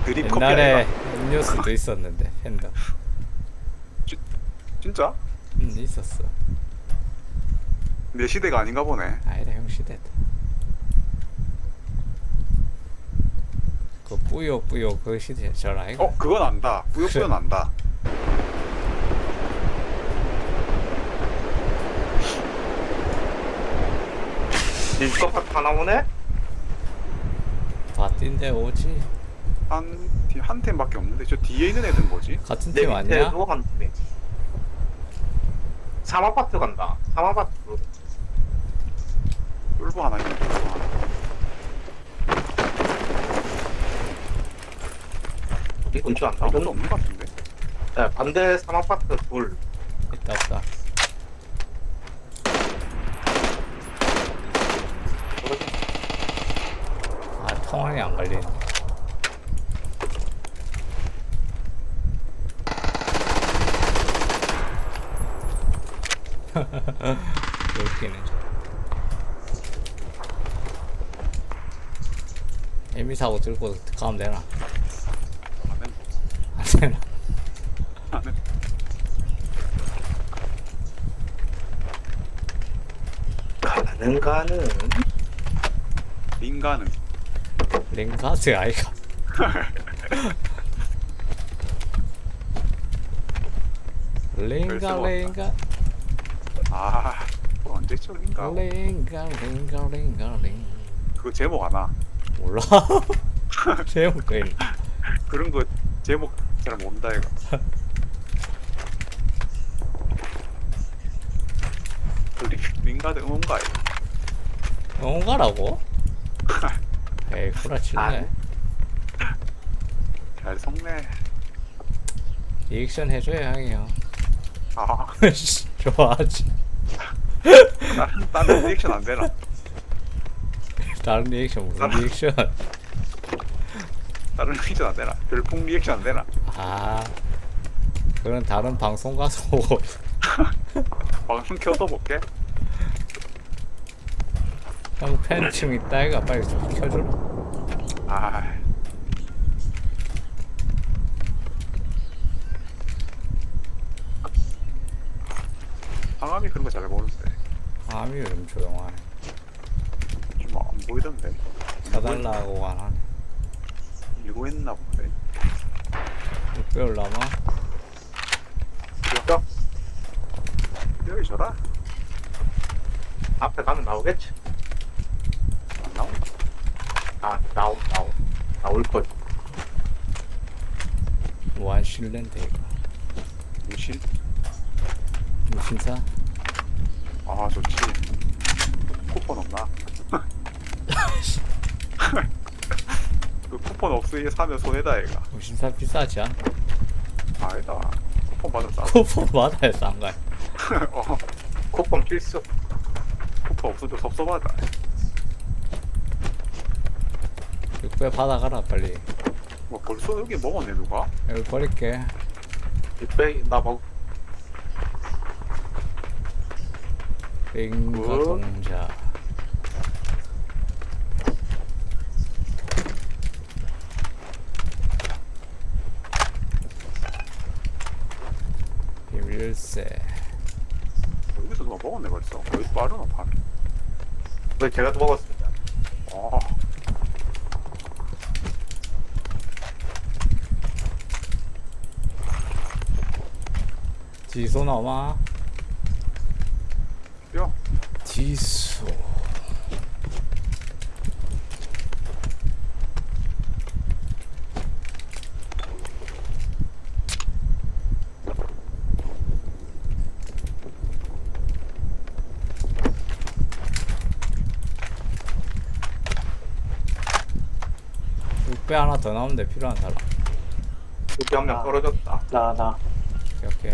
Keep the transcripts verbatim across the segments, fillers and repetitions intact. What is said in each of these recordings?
드립 커피 옛날에 아이가? 음료수도 있었는데 팬더. 진짜? 응 있었어. 내 시대가 아닌가 보네. 아니다 형 시대다. 그 뿌요 뿌요 그 시대 절 아이가. 어 그건 안다. 뿌요뿌요는 안다. 일거pat 하나 오네? 바뀐데 오지. 한한 팀밖에 없는데 저 뒤에 있는 애들 뭐지? 같은 내 팀 아니야? 밑에도 한 팀이. 삼 아파트 간다. 삼 아파트. 쫄보 하나 있네. 쫄보 하나. 이 근처 안 아무도 나오는. 없는 것 같은데. 네, 반대 삼 아파트 둘. 있다 없다. 아 통화이 안 걸리네. 웃기네. 에미 사고 들고 가면 되나? 안 해. 안 되나? 안 해. 가는 가는. 인간은 랭가드 아이가. 랭가 열쇠 랭가 아 그거 언제쯤 인가? 랭가 랭가 랭가 랭. 그거 제목 아나? 몰라. 제목 그 있네. 그런 거 제목 잘 모른다 이거. 그 리- 링가드 응원가 이거. 응가라고? 에이 구라치네. 잘 속네. 리액션 해줘야 형이요. 아 좋아하지. 다른 다른 리액션 안 되나? 다른 리액션 무슨 다른- 리액션? 다른 리액션 안 되나? 별풍 리액션 안 되나? 아 그건 다른 방송 가서 보고. 방송 켜서 볼게. 형 팬층 있다 이가 빨리 좀 켜줘라. 아 상암이 그런 거 잘 모르는데 암이 요즘 조용하네. 좀 안 보이던데. 사달라고 안 하네. 이거 했나 본데. 육 배울 남아? 야 여기 줘라. 앞에 가면 나오겠지. 안 나온다. 아 나오 나오 나올 걸. 무한 실랜드 이거. 무신. 무신사? 아 좋지. 쿠폰 없나? 그 쿠폰 없으니 사면 손해다 얘가. 무신사 비싸지 않아? 아니다. 쿠폰 받으면 싸. 쿠폰 받아야 싼 거야. 어, 쿠폰 필수. 쿠폰 없으면 섭섭하다. 육 배 받아가라 빨리. 뭐 벌써 여기 먹었네 누가? 여기 버릴게. 육백 나 먹. 링가 뭐? 동자. 비밀세. 여기서 누가 먹었네 벌써. 왜 빠르나 파네. 왜 제가 또 먹었습니다. 아 지소 남아? 야. 지소. 육 배 하나 더 나오는데 필요한 사람. 여기 한 명 떨어졌다. 나, 나. 오케이 오케이.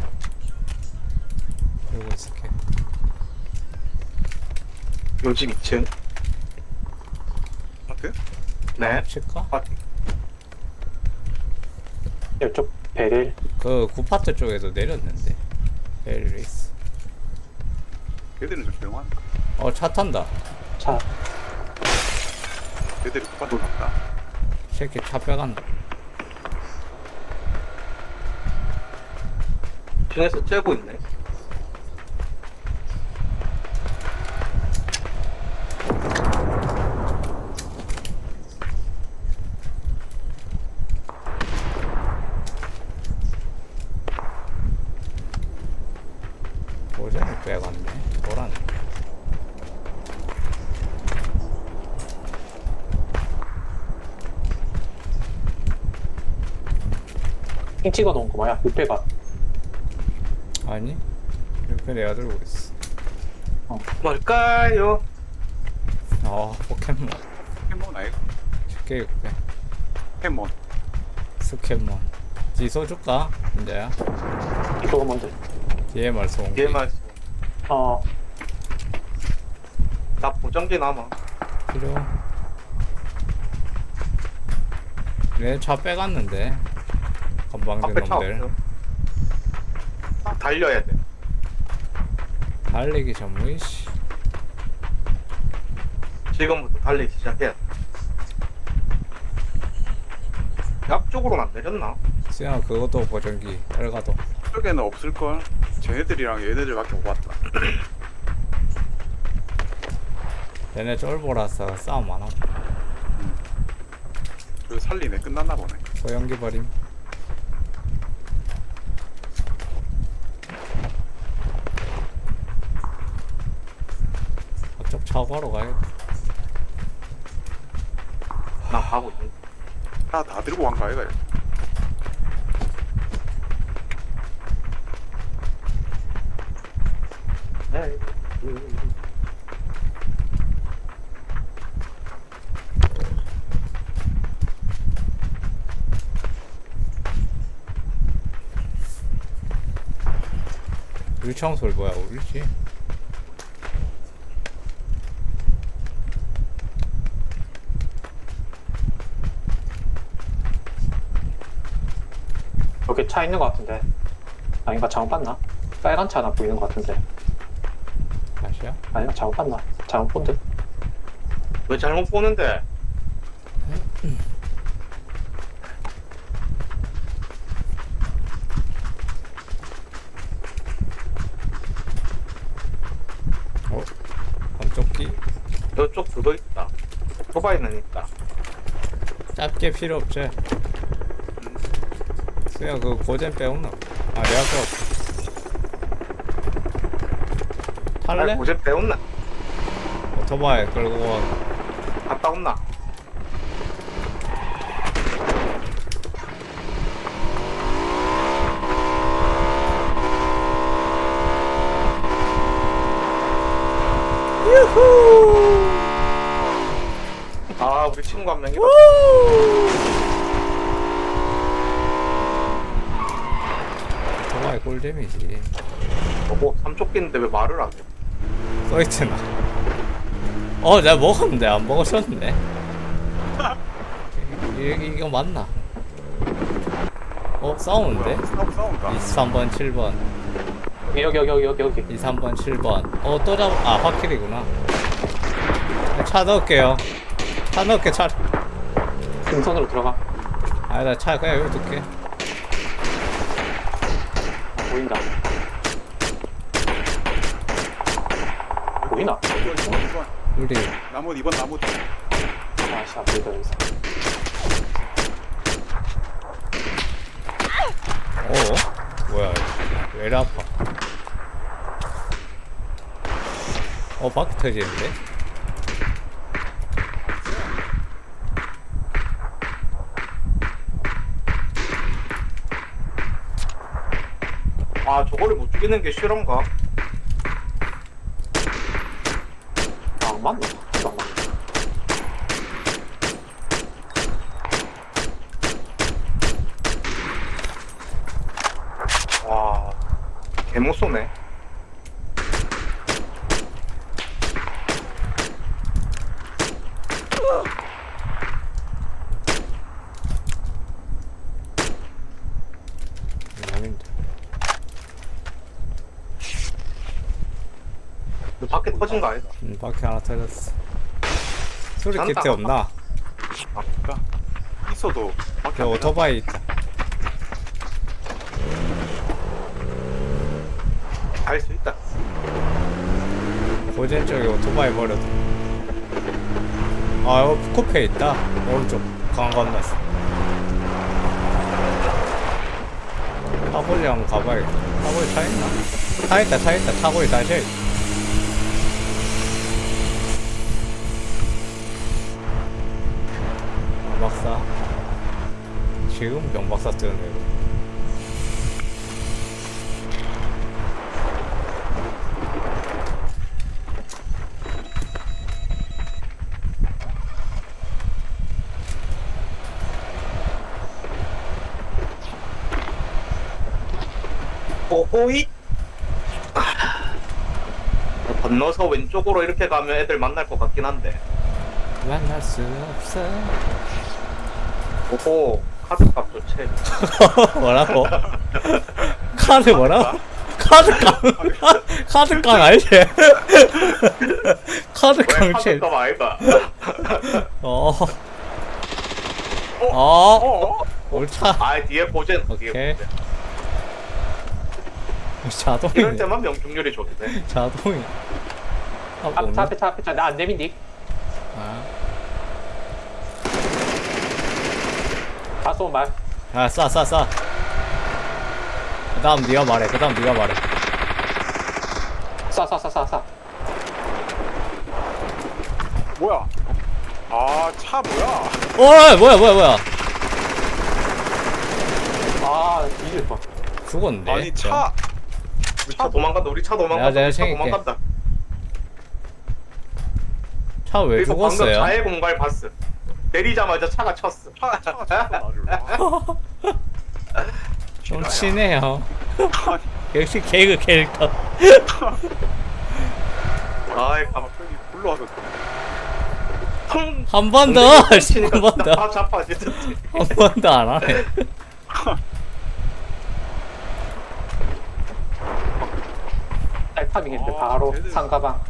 들고 있을게. 요집 이 층. 마트? 네. 칠까? 아, 이쪽 베릴. 그 구파트 쪽에서 내렸는데. 베리레이스. 걔들은 좀 조용하니까. 어 차 탄다. 차. 걔들이 똑같이 갔다. 새끼 차 빼간다. 층에서 째고 있네. 고전이 빼갔네. 노란. 핑 찍어 놓은 거 뭐야? 육배가. 아니? 이렇게 내가 들고 있어. 뭘까요? 아 포켓몬. 포켓몬 아이가? 쉽게 육배. 포켓몬. 스캔몬. 지소 줄까? 이제야. 이거 뭔데? 뒤에 말소 온 게. 얘만 어, 나 보정기 남아. 필요. 내 차 빼갔는데. 건방진 앞에 차 놈들. 없어. 달려야 돼. 달리기 전무이 씨. 지금부터 달리기 시작해야 돼. 앞쪽으로는 안 내렸나? 수영아 그것도 보정기. 빨가도. 쪽에는 없을걸? 쟤네들이랑 얘네들밖에 못 봤다. 얘네 쫄보라서 싸움 안 하고. 그 살리네. 끝났나 보네. 소연기 버림. 저쪽 차고하러 가야겠다. 나 가고 있는. 다, 다 들고 간 거 아이가? 이거? 네. 물청소를 뭐야 울지? 여기 차 있는 거 같은데. 아닌가 잘못 봤나? 빨간 차 하나 보이는 거 같은데. 다시야? 아닌가 잘못 봤나? 잘못 본 듯. 왜 잘못 보는데? 어? 감쪽기? 이쪽 그거 있다. 오토바이는 있다. 짧게 필요 없지? 수야 그 고젠 빼온나? 아 내가 빼왔어. 탈래? 아, 고제 배웠나? 오토바이 끌고 와. 갔다 온나? 아, 우리 친구 한 명이 오토바이 꿀잼이지. 보고 삼촌끼는데 왜 말을 안 해? 써있잖아. 어 내가 먹었는데 안 먹었었는데. 이, 이, 이거 맞나? 어 싸우는데? 싸움, 싸움가. 이십삼 번 칠 번 여기 여기 여기 여기 여기. 이십삼 번 칠 번 어 또 잡.. 아 화킬이구나. 차 넣을게요. 차 넣을게. 차 등선으로 들어가. 아니다 차 그냥 여기 둘게. 보인다. 보이나? 이번, 이번, 이번. 우리 나무, 이번 나무. 아씨 안 보인다 여기서. 어? 뭐야 왜 이리 아파. 어 바퀴 터지는데? 아, 저거를 못 죽이는 게 실험가? 아, 안 맞네. 안 맞네. 와, 개못 쏘네. 아닌데. 너 밖에 터진 거 아니다? 음, 바퀴 하나 터졌어. 소리 난다. 키트 없나? 아까. 있어도 밖에 저 안 오토바이 있다. 갈 수 있다. 고젠 쪽에 오토바이 버려도. 아, 여기 코페 있다. 오른쪽 강 건넜어. 타골이 한번 가봐야겠다. 타골이 차 있나? 차 있다, 차 있다. 타골이 다시 있다. 경박사. 지금 경박사 뜨는데 이거. 오호이. 건너서 왼쪽으로 이렇게 가면 애들 만날 것 같긴 한데. 만날 수 없어. 오호, 카드값 좋지. 뭐라고? 카드 뭐라고? 카드깡 카드깡 알지? 왜 카드깡 칠. 카드값 아이가? 어. 어? 어. 어? 옳다. 아, 뒤에 보젠. 뒤에 오케이. 보젠. 이럴 자동이네. 때만 명중률이 좋네. 자동이. 아, 앞, 뭐네? 차 앞에 차 앞에 차나안 내민디. 아, 다 쏘면 말. 아, 쏴, 쏴, 쏴. 그다음 네가 말해. 그다음 네가 말해. 쏴 쏴 쏴 쏴 쏴. 뭐야? 아, 차 뭐야? 어, 뭐야, 뭐야, 뭐야? 아 뒤질 뻔. 죽었는데. 아니, 차. 우리 차 도망간다. 우리 차 내가 도망간다. 내가 우리 차 챙길게. 도망간다. 차 왜 그리고 방금 죽었어요? 자해 공갈 봤어. 내리자마자 차가 쳤어. 차, 차가 쳤어, 나를. 좀 치네요. 역시 개그 캐릭터. 아이, 가 갑자기 불러와서. 통. 한 번 더. 한 번 더. 다 잡아 진짜. 한 번 더 안 하네. 딸파밍했는데 아, 바로 쟤들. 상가방.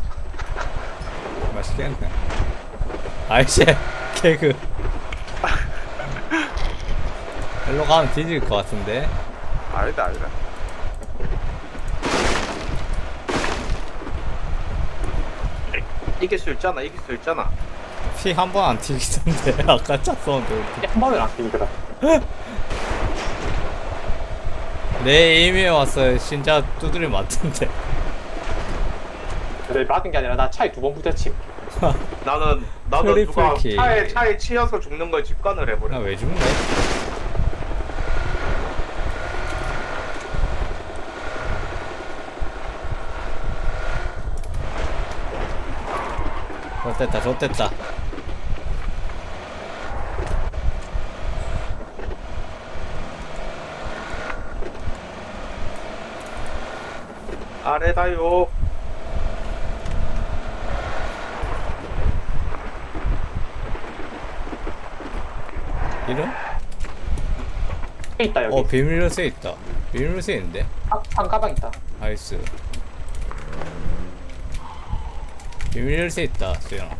맛있겠네. 아이씨, 개그. 일로 가면 뒤질 것 같은데. 아니다, 아니다. 이길 수 있잖아. 이길 수 있잖아. 피 한 번 안 튀기던데. 아까 차 쏘는데. 한 번은 안 뛰더라. 내 에임에 와서 진짜 두드리 맞던데. 근데 맞은 게 아니라 나 차에 두 번 부딪힘. 나는 나도 트리플 누가 킬. 차에 차에 치여서 죽는 걸 직관을 해버려. 나 왜 죽네? 좋됐다, 좋됐다. 아래다요. 이름? 에 있다 여기. 어, 비밀 열쇠 있다. 비밀 열쇠 있는데? 아, 상가방 있다. 나이스. 비밀 열쇠 있다, 수연아.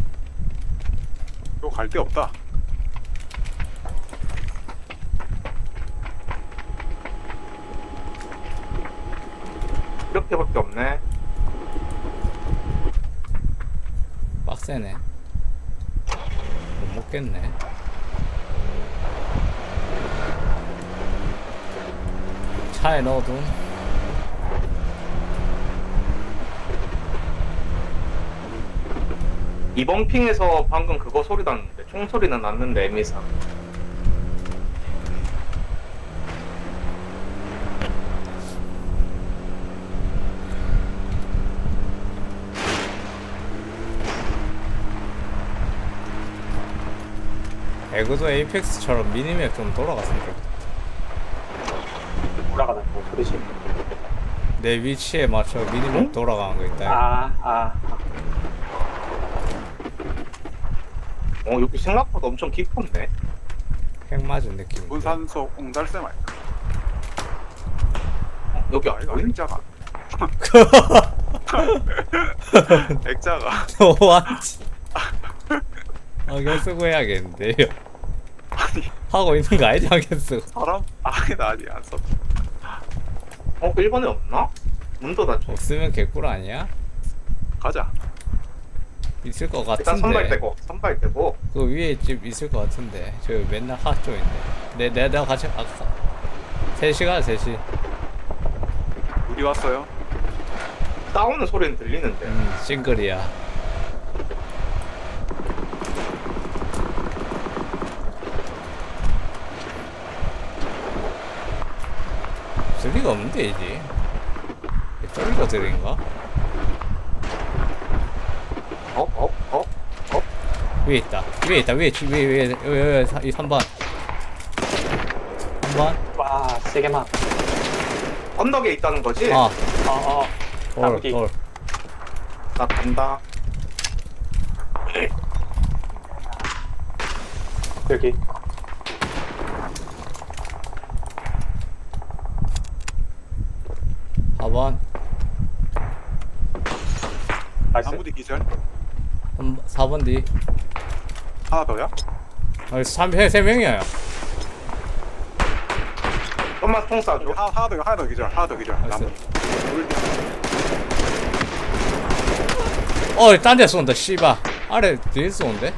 이거 갈 데 없다. 이렇게밖에 없네. 빡세네. 못 먹겠네. 차에 넣어둔. 이번 핑에서 방금 그거 소리 났는데 총소리는 났는데 에미사. 에그도 에이펙스처럼 미니맵 좀 돌아갔으면 좋겠다. 올라가다 뭐 소리지. 내 위치에 맞춰 미니맵 응? 돌아가는 거 있다. 아 아. 어 여기 생각보다 엄청 깊었네. 핵 맞은 느낌. 문산소 옹달샘 아닐까? 어, 여기 아, 이거 아이가 액자가. 액자가. 너한지. 안경 쓰고 해야겠는데요. 아니, 하고 있는 거 알지 않겠어? 사람? 아니다 아니 안 써. 어, 그 일 번에 없나? 문도 닫혀. 없으면 개꿀 아니야? 가자. 있을 것 일단 선발 같은데. 떼고, 선발 떼고. 그 위에 집 있을 것 같은데. 저 맨날 하 쪽인데. 내 내 내가 같이 아까 세 시간 세 시. 우리 왔어요. 싸우는 소리는 들리는데. 음 싱글이야. 쓸 리가 없는데 이제. 쫄리가 들인가? 어, 어, 어, 어. 위에 있다. 위에 있다. 위에 지- 위에 위에 위에, 위에 이 삼 번. 삼 번. 와 세게만. 언덕에 있다는 거지? 아, 어어. 돌, 나무기. 돌. 나 간다. 여기. 사 번. 나이스. 나무디 기절. 사 번 뒤. 하나 더야? 아, 삼, 세, 세 명이야. 좀만 통 쏴줘. 하나 하나 더 하나 더 기절. 하나 더 기절. 알았어. 나무. 둘 뒤. 어, 딴 데 쏜다, 씨발. 아래, 뒤에 쏘는데?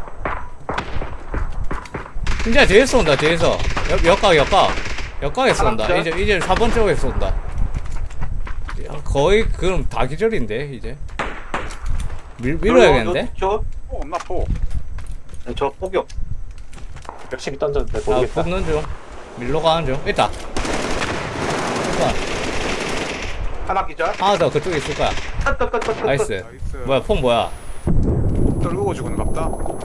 진짜 뒤에 쏜다, 뒤에서. 옆, 옆각, 옆각. 옆각에 쏜다. 하나 이제, 이제 사 번 쪽에 쏜다. 야, 거의, 그럼 다 기절인데, 이제. 밀, 밀어야겠는데? 저, 포 없나 포? 저, 저 포격. 열심히 던졌는데 나 모르겠다. 뽑는 중. 밀로 가는 중. 있다. 잠깐. 하나 기절. 하나 더 그쪽에 있을 거야. 끝, 끝, 끝, 끝, 끝. 나이스. 나이스. 뭐야, 폰 뭐야? 떨구고 죽은 갑다.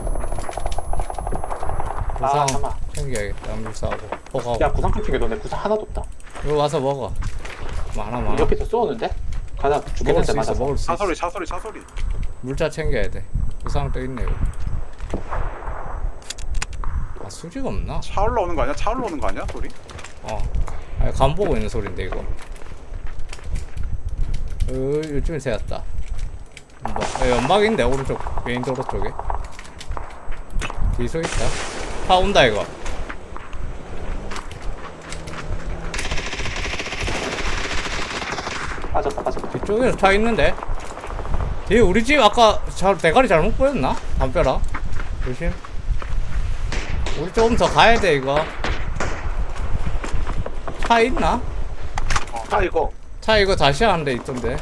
아 구상 잠깐만. 챙겨야겠다. 암물사하고. 포가고. 야 구상 좀 챙겨. 너네 구상 하나도 없다. 이거 와서 먹어. 많아, 많아. 옆에서 쏘는데? 가다 먹을 죽겠는데 수 있어, 맞아서. 먹을 수 차 있어. 소리 차 소리 차 소리. 물자 챙겨야 돼. 구상 또 있네, 이거. 아, 수지가 없나? 차 올라오는 거 아니야? 차 올라오는 거 아니야? 소리? 어. 아니, 간 보고 있는 소린데, 이거. 어, 요즘에 새었다. 연막. 야, 연막인데, 오른쪽. 메인 도로 쪽에. 뒤소 있다. 차 온다, 이거. 빠졌다 빠졌다. 뒤쪽에서 차 있는데. 뒤에 우리 집 아까 잘, 대가리 잘못 보였나? 담벼락. 조심. 우리 조금 더 가야 돼, 이거. 차 있나? 아, 이거. 차 이거 다시 하는 데 있던데.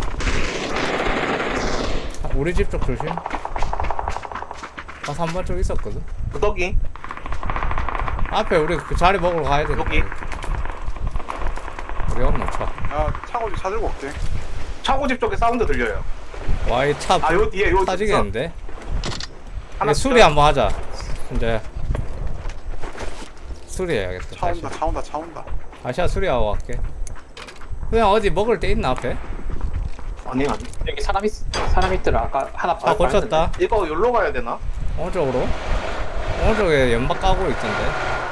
아, 우리 집 쪽 조심. 아, 삼 번 쪽 있었거든. 구더기. 앞에 우리 그 자리 먹으러 가야 돼. 여기. 우리 없노 차. 야 차고지 차 들고 올게. 차고집 쪽에 사운드 들려요. 와, 이 차 아, 요 뒤에, 요 뒤에. 터지겠는데? 하나 이게 수리 기절. 한번 하자. 이제 수리해야겠다. 차 다시. 온다 차 온다 차 온다. 다시야 수리하고 갈게. 그냥 어디 먹을 데 있나 앞에? 아니, 아니. 여기 사람 있 사람 있더라. 아까 하나 아, 고쳤다. 이거 여기로 가야 되나? 어느 쪽으로? 어느 쪽에 연막 까고 있던데.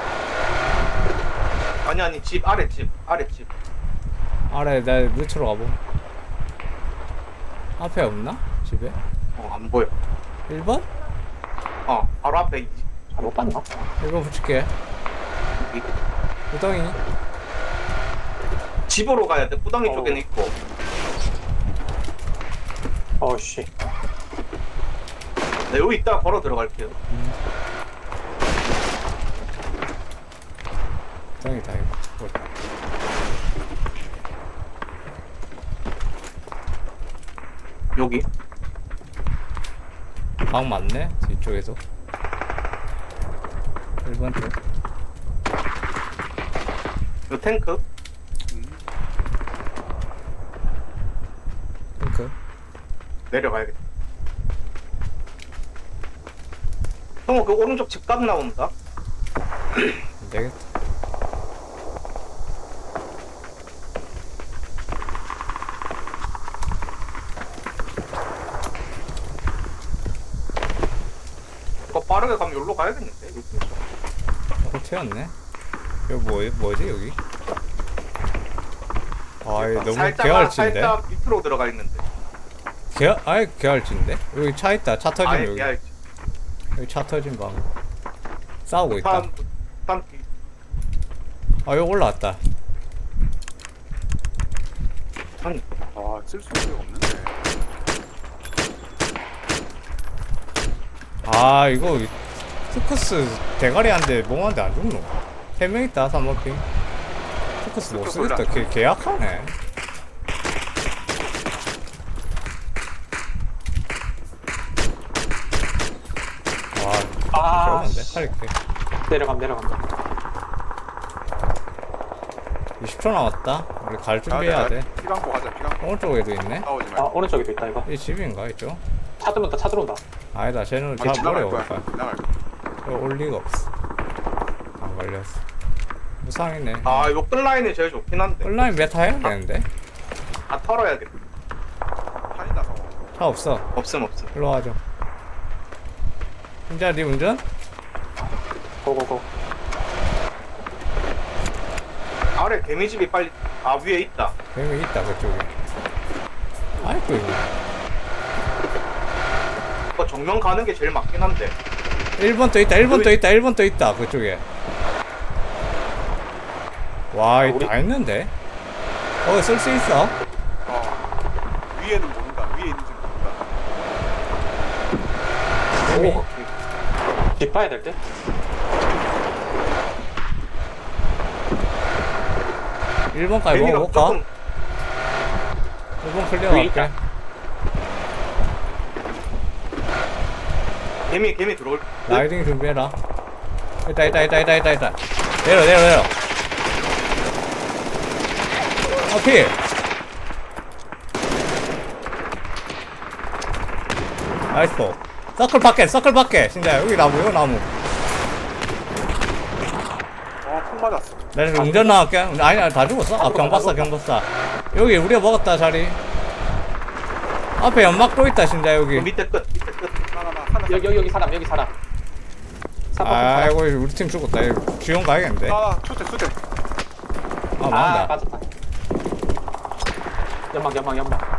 아니, 아니. 집, 아래 집. 아래 집. 아래 나 밑으로 가보. 앞에 없나? 집에? 어, 안 보여. 일 번? 어, 바로 앞에. 이- 잘못 봤나? 일 번 붙일게. 여기. 구덩이. 집으로 가야 돼. 구덩이 어. 쪽에는 있고. 어씨. 네, 여기 있다가 걸어 들어갈게요. 구덩이다 이거. 여기. 방 맞네? 뒤쪽에서. 일 번 쪽. 요 탱크. 핑크. 내려가야겠다. 형아, 그 오른쪽 집값 나온다. 안 되겠다. 이거 빠르게 가면 여기로 가야겠는데. 여기. 어, 튀었네. 여기 뭐, 뭐지, 여기? 아, 이 너무 살짝, 개활진데? 살짝 밑으로 들어가 있는데. 개, 아예 개활진데? 여기 차 있다. 차 터진 아예 여기. 깨알. 여기 차 터진 방. 싸우고 있다. 사람 딴 아 여기 올라왔다. 아니 아쓸 수 있는 게 없는데. 아 이거 스크스 대가리 한대 몽한테 안 죽노? 세 명 있다 삼 번 핑. 스크스 못 쓰겠다. 개, 계약하네. 와 아, 좋은데 씨. 할게. 내려감, 내려간다. 이십 초 남았다. 우리 갈 준비해야 돼. 피 감고 가자. 피 감고 오른쪽에도 있네. 싸우지 아, 말고. 오른쪽에도 있다, 이거. 이 집인가 이쪽? 차 들어온다, 차 들어온다. 아니다 쟤는 아니, 잘 모래 지나갈 올 거야. 거야. 지나갈 거야. 이거 올 리가 없어. 안 걸렸어. 무상이네. 아 이거 끌라인이 제일 좋긴 한데 온라인 메타 해야 되는데? 다 털어야겠다. 판이다 서. 차 없어. 없음 없음. 일로 와줘. 진짜 네 운전? 고고고. 아래 개미집이 빨리 아 위에 있다. 여기 있다 그쪽에. 아이고 이거. 그거 정면 가는 게 제일 맞긴 한데. 일 번 또 있다. 일 번 또 있다. 일 번 또 있다. 그쪽에. 와, 이거 우리- 다 있는데? 어, 쓸 수 있어? 어. 위에는 모른다. 위에 있는지 모른다. 재미. 오. 뒷봐야 될 때? 일 번까지 개미가 먹어볼까? 조금 일 번 클리어 위에 할게. 있다. 개미 개미 들어올. 라이딩 준비해라. 있다, 있다, 있다, 있다, 있다, 있다. 내려, 내려, 내려. 아, 피! 나이스 볼. 서클 밖에, 서클 밖에. 진짜 여기 나무, 여기 나무. 어폭 맞았어. 나 지금 운전 나갈게. 아니, 아니, 다 죽었어? 아, 경박사, 경박사. 여기 우리가 먹었다, 자리. 앞에 연막 또 있다, 진짜, 그 여기. 밑에 끝 밑에 끝. 하나 나 하나. 여기, 여기, 여기 사람, 여기 사람. 사람, 사람. 아이고, 우리 팀 죽었다. 이거 지원 가야겠는데. 아, 아 초대 초대. 아, 맞다. 빠졌다. 연막, 연막, 연막.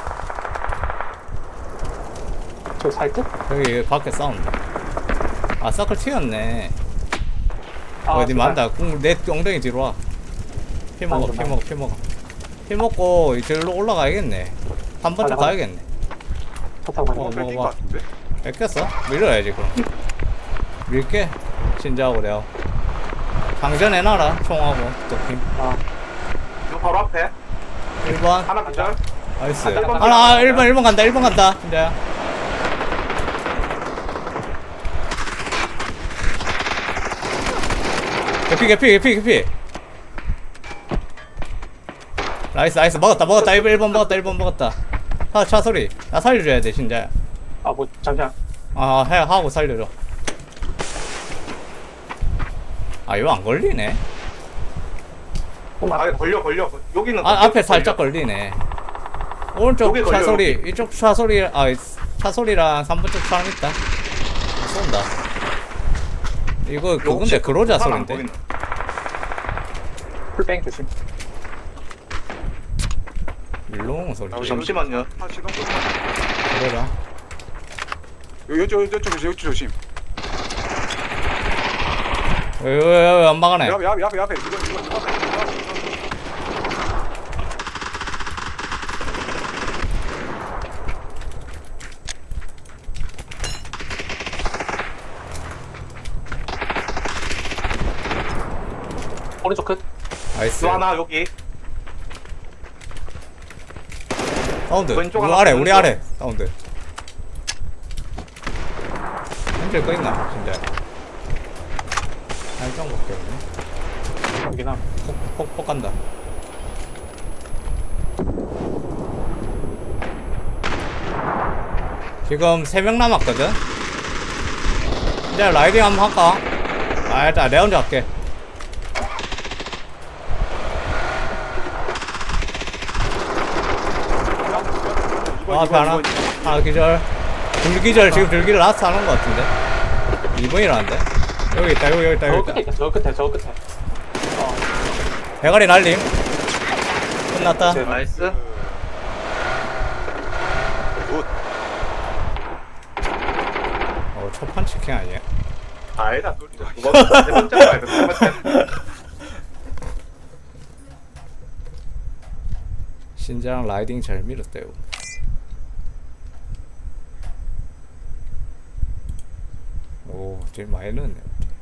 저 살듯? 여기 밖에 싸운다. 아, 서클 튀었네. 아, 어디 제발. 만다. 공- 내 엉덩이 뒤로 와. 피 먹어, 피 맞아, 먹어, 피 먹어. 피 먹고 이쪽으로 올라가야겠네. 한 번쯤 맞아, 가야겠네. 차 타고 가자. 어 어, 뺏긴 먹어봐. 거 같은데. 뺏겼어? 밀어야지, 그럼. 밀게. 진짜하고 내가. 방전해놔라, 총하고, 도핑. 아, 이거 바로 앞에 일 번. 하나 기절. 나이스. 아, 일 번 하나, 아, 일 번, 일 번 간다, 일 번 간다. 진짜야. 개피, 개피, 개피, 개피. 나이스, 나이스. 먹었다, 먹었다. 일 번, 일 번 먹었다, 일 번 먹었다. 차, 차 소리. 나 살려줘야 돼, 진짜야. 아, 뭐, 잠시만. 아, 해, 하고 살려줘. 아, 이거 안 걸리네. 아 걸려 걸려. 여기는 아, 앞에 걸려. 살짝 걸리네. 오른쪽 여기 걸려, 차 소리, 여기. 이쪽 차 소리, 아, 차 소리랑 삼 번 쪽 사람 있다. 쏜다. 이거 그건데, 그로자 사람 안 소린데. 보이는. 풀뱅 조심. 일롱 소리. 아, 여기 잠시만요. 아 시동 끄고. 그러라. 여기 여기 여기 여기 조심, 여기 조심. 왜, 왜, 왜, 안 막아내? 앞에 앞에 앞에 앞에 이거 이거 이거. 오른쪽 끝. 나이스. 또 하나 여기. 사운드. 왼쪽 우리 하나, 아래, 우리 왼쪽. 아래. 사운드. 핸들 꺼있나, 진짜. 살짝밖에 없네. 여기 나. 폭, 폭, 폭 간다. 지금 세 명 남았거든? 이제 라이딩 한번 할까? 아, 일단 내가 혼자 할게. 이번, 아, 앞에 이번, 하나. 이번. 하나 기절. 둘 기절, 지금 둘 기절 라스트 하는 것 같은데? 이 번이라는데? 여기 있다, 여기, 여기 있다, 저 여기 끝에 있다. 있다, 저 끝에, 저 끝에. 어, 대가리 날림. 끝났다. 네. 나이스. 굿. 어, 첫 판치킹 아니야? 아니다. 두 번째, 세 번째 말고 세 번째. 신장 라이딩 잘 밀었대요. 오, 되게 많이 넣었네.